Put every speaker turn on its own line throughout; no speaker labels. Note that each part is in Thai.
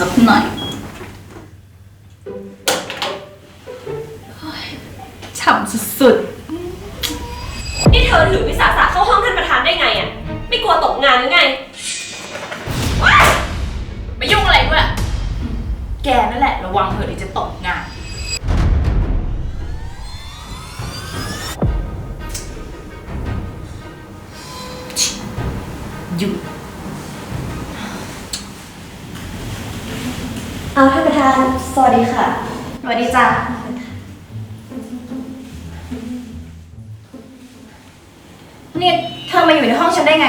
สักหน่อยฉ่ำสุดๆ
นี่เธอถือวิสาสะเข้าห้องท่านประธานได้ไงอ่ะไม่กลัวตกงานหรือไง
ไม่ยุ่งอะไรด้วยแกนั่นแหละระวังเถอะเดี๋ยวจะตกงานหยุด
เอาท่านประธานสวัสดีค่ะ
สวัสดีจ้ะนี่เธอมาอยู่ในห้องฉันได้ไง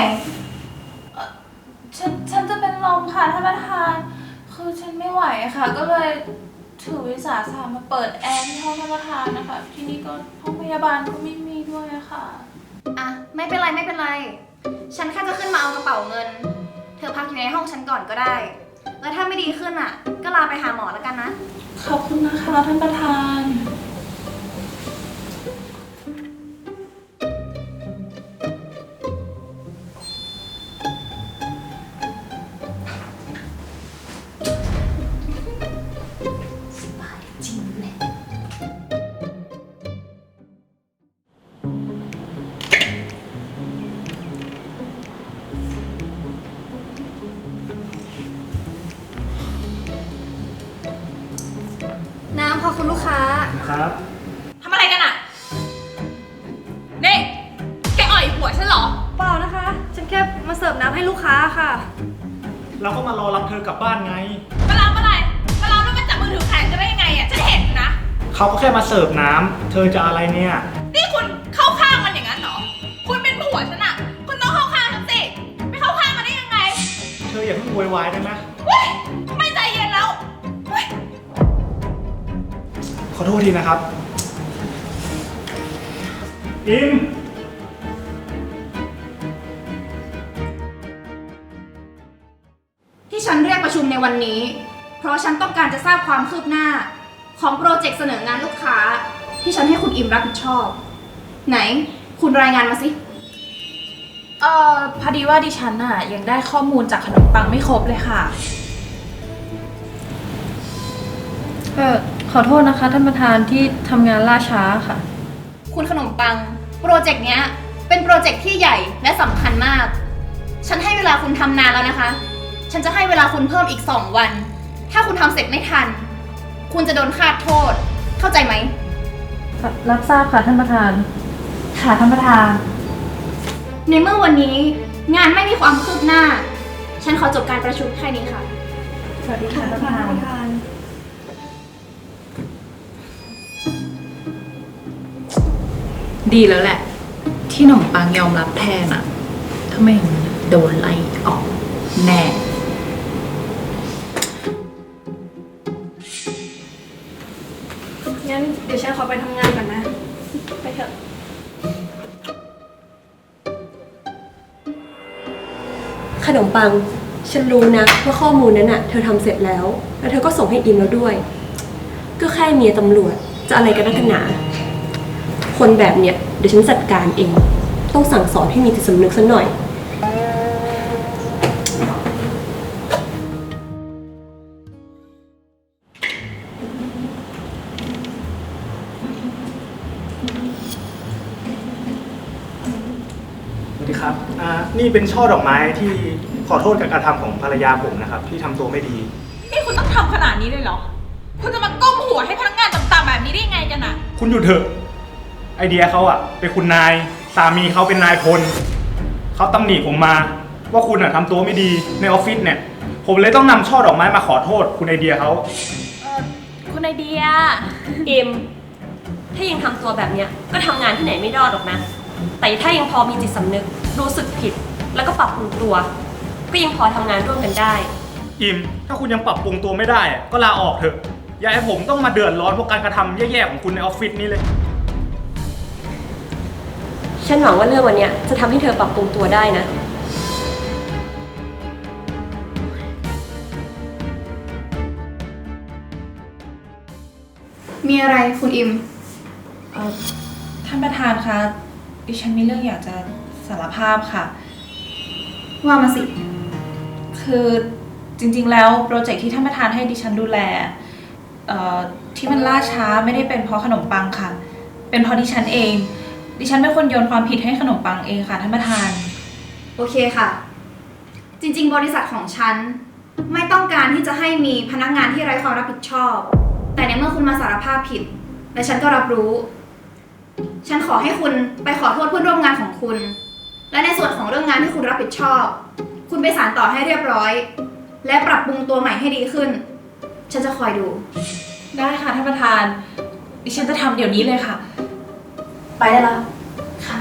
ฉันจะเป็นลมค่ะท่านประธาน คือฉันไม่ไหวค่ะ ก็เลยถือวิสาสะมาเปิดแอร์ที่ห้องท่านประธานนะคะ ที่นี่ก็ห้องพยาบาลก็ไม่มีด้วยค่ะ
อ่ะไม่เป็นไรไม่เป็นไรฉันแค่จะขึ้นมาเอากระเป๋าเงินเธอพักอยู่ในห้องฉันก่อนก็ได้แล้วถ้าไม่ดีขึ้นอ่ะก็ลาไปหาหมอแล้วกันนะ
ขอบคุณนะคะท่านประธาน
น้ำพอคุณลูกค้า
ครับ
ทำอะไรกันอ่ะนี่แกอ่อยหัวฉันเหรอ
เปล่านะคะฉันแค่มาเสิร์ฟน้ำให้ลูกค้าค่ะ
เราก็มารอรับเธอกลับบ้านไง
มารับอะไรมารับแล้วมันจับมือถือแขนกันได้ยังไงอ่ะฉันเห็นนะ
เขาก็แค่มาเสิร์ฟน้ำเธอจะอะไรเนี่ย
นี่คุณเข้าข้างมันอย่างนั้นเหรอคุณเป็นผัวฉันอ่ะคุณต้องเข้าข้างฉันสิไม่เข้าข้างมันได้ยังไง
เธออย่าเพิ่งโวยวายได้ไหม
เฮ้ยไม่ใจเย็นแล้วเฮ้ย
ขอโทษทีนะครับอิม
ที่ฉันเรียกประชุมในวันนี้เพราะฉันต้องการจะทราบความคืบหน้าของโปรเจกต์เสนองานลูกค้าที่ฉันให้คุณอิมรับผิดชอบไหนคุณรายงานมาสิ
พอดีว่าดิฉันน่ะยังได้ข้อมูลจากขนมปังไม่ครบเลยค่ะขอโทษนะคะท่านประธานที่ทำงานล่าช้าค่ะ
คุณขนมปังโปรเจกต์เนี้ยเป็นโปรเจกต์ที่ใหญ่และสำคัญมากฉันให้เวลาคุณทำนานแล้วนะคะฉันจะให้เวลาคุณเพิ่มอีก2 วันถ้าคุณทำเสร็จไม่ทันคุณจะโดนคาดโทษเข้าใจไหม
รับทราบค่ะท่านประธานค่ะท่านประธาน
ในเมื่อวันนี้งานไม่มีความคืบหน้าฉันขอจบการประชุมแค่นี้ค่ะ
สวัสดีค่ะท่านประธาน
ดีแล้วแหละที่หนมปังยอมรับแทนอะถ้าไม่อย่างนั้นโดนไล่ออกแน่
งั้นเดี๋ยวฉันขอไปทำงานก่อนนะไปเถอะ
ขนมปังฉันรู้นะว่าข้อมูลนั้นน่ะเธอทำเสร็จแล้วเธอก็ส่งให้อิมแล้วด้วยก็แค่เมียตำรวจจะอะไรกันนักกันหนาคนแบบเนี้ยเดี๋ยวฉันจัดการเองต้องสั่งสอนให้มีจิตสำนึกซะหน่อย
สวัสดีครับนี่เป็นช่อดอกไม้ที่ขอโทษกับการกระทำของภรรยาผมนะครับที่ทำตัวไม่ดี
นี่คุณต้องทำขนาดนี้เลยเหรอคุณจะมาก้มหัวให้พนักงานต่ำๆแบบนี้ได้ยังไงกันอะ
คุณหยุดเถอะไอเดียเขาอะเป็นคุณนายสามีเขาเป็นนายพลเขาตำหนิผมมาว่าคุณอะทำตัวไม่ดีในออฟฟิศเนี่ยผมเลยต้องนำช่อดอกไม้มาขอโทษคุณไอเดียเขา
คุณไอเดีย
อิมถ้ายังทำตัวแบบเนี้ยก็ทำงานที่ไหนไม่รอดหรอกนะแต่ถ้ายังพอมีจิตสำนึกรู้สึกผิดแล้วก็ปรับปรุงตัวก็ยังพอทำงานร่วมกันได้
อิมถ้าคุณยังปรับปรุงตัวไม่ได้ก็ลาออกเถอะอย่าให้ผมต้องมาเดือดร้อนเพราะการกระทำแย่ๆของคุณในออฟฟิศนี้เลย
ฉันหวังว่าเรื่องวันนี้จะทำให้เธอปรับปรุงตัวได้นะ
มีอะไรคุณอิม
ท่านประธานคะดิฉันมีเรื่องอยากจะสารภาพค่ะ
ว่ามาสิ
คือจจริงๆแล้วโปรเจกต์ที่ท่านประธานให้ดิฉันดูแลที่มันล่าช้าไม่ได้เป็นเพราะขนมปังค่ะ เป็นเพราะดิฉันเอง ดิฉันเป็นคนโยนความผิดให้ขนมปังเองค่ะท่านประธาน
โอเคค่ะ จริงๆ บริษัทของฉันไม่ต้องการที่จะให้มีพนักงานที่ไร้ความรับผิดชอบ แต่ในเมื่อคุณมาสารภาพผิด และฉันก็รับรู้ ฉันขอให้คุณไปขอโทษเพื่อนร่วมงานของคุณ และในส่วนของเรื่องงานที่คุณรับผิดชอบ คุณไปสานต่อให้เรียบร้อย และปรับปรุงตัวใหม่ให้ดีขึ้น ฉันจะคอยดู
ได้ค่ะท่านประธาน ดิฉันจะทำเดี๋ยวนี้เลยค่ะ ไปได้แล้วค่ะ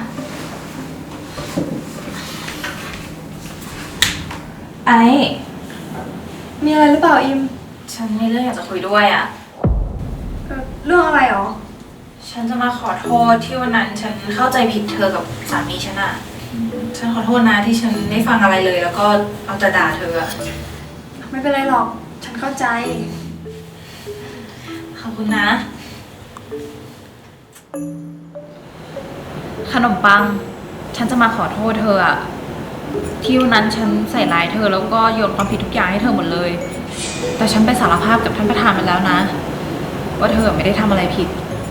ไอ้
มีอะไรหรือเปล่าอิม
ฉันมีเรื่องอยากจะคุยด้วยอ่ะ
เรื่องอะไรหรอ
ฉันจะมาขอโทษที่วันนั้นฉันเข้าใจผิดเธอกับสามีฉันอ่ะ ฉันขอโทษนะที่ฉันไม่ฟังอะไรเลย แล้วก็เอาแต่ด่าเธออะ
ไม่เป็นไรหรอก ฉันเข้าใจ
ขอบคุณนะ ขนมปัง ฉันจะมาขอโทษเธออะที่วันนั้นฉันใส่ร้ายเธอแล้วก็โยนความผิดทุกอย่างให้เธอหมดเลย แต่ฉันไปสารภาพกับท่านประธานมาแล้วนะ ว่าเธอไม่ได้ทำอะไรผิด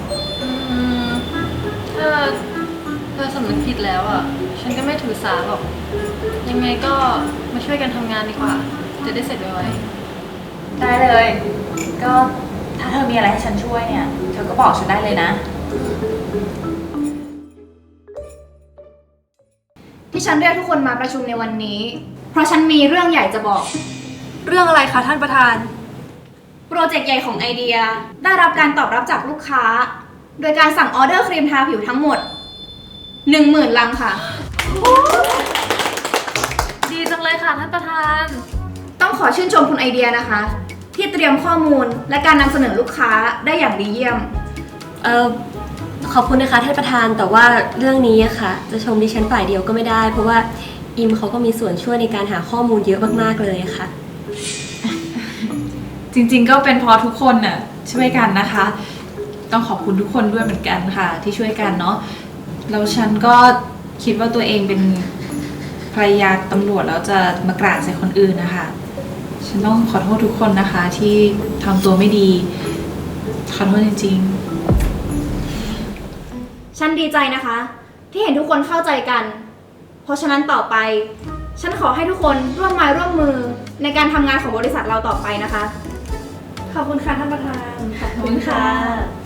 ถ้าเธอสำนึกผิดแล้วอ่ะ ฉันก็ไม่ถือสาหรอก ยังไงก็มาช่วยกันทำงานดีกว่า จะได้เสร็จไว
ได้เลย ก็ถ้าเธอมีอะไรให้ฉันช่วยเนี่ย เธอก็บอกฉันได้เลยนะ
ที่ฉันเรียกทุกคนมาประชุมในวันนี้ เพราะฉันมีเรื่องใหญ่จะบอก
เรื่องอะไรคะท่านประธาน
โปรเจกต์ใหญ่ของไอเดียได้รับการตอบรับจากลูกค้า โดยการสั่งออเดอร์ครีมทาผิวทั้งหมด 10,000 ลังค่ะ
ๆ ดีจังเลยค่ะท่านประธาน
ต้องขอชื่นชมคุณไอเดียนะคะ ที่เตรียมข้อมูลและการนำเสนอลูกค้าได้อย่างดีเยี่ยม
ขอบคุณนะคะท่านประธาน แต่ว่าเรื่องนี้อะค่ะ จะชมดิฉันฝ่ายเดียวก็ไม่ได้ เพราะว่าอิมเขาก็มีส่วนช่วยในการหาข้อมูลเยอะมากๆเลยค่ะ
จริงๆก็เป็นเพราะทุกคนน่ะช่วยกันนะคะ ต้องขอบคุณทุกคนด้วยเหมือนกันค่ะ ที่ช่วยกันเนาะแล้วฉันก็คิดว่าตัวเองเป็นภรรยาตำรวจแล้วจะมากร่างใส่คนอื่นนะคะฉันต้องขอโทษทุกคนนะคะที่ทำตัวไม่ดีขอโทษจริงๆ
ฉันดีใจนะคะ ที่เห็นทุกคนเข้าใจกัน เพราะฉะนั้นต่อไป ฉันขอให้ทุกคนร่วมไม้ร่วมมือในการทำงานของบริษัทเราต่อไปนะคะ
ขอบคุณค่ะท่านประธาน
ขอบคุณค่ะ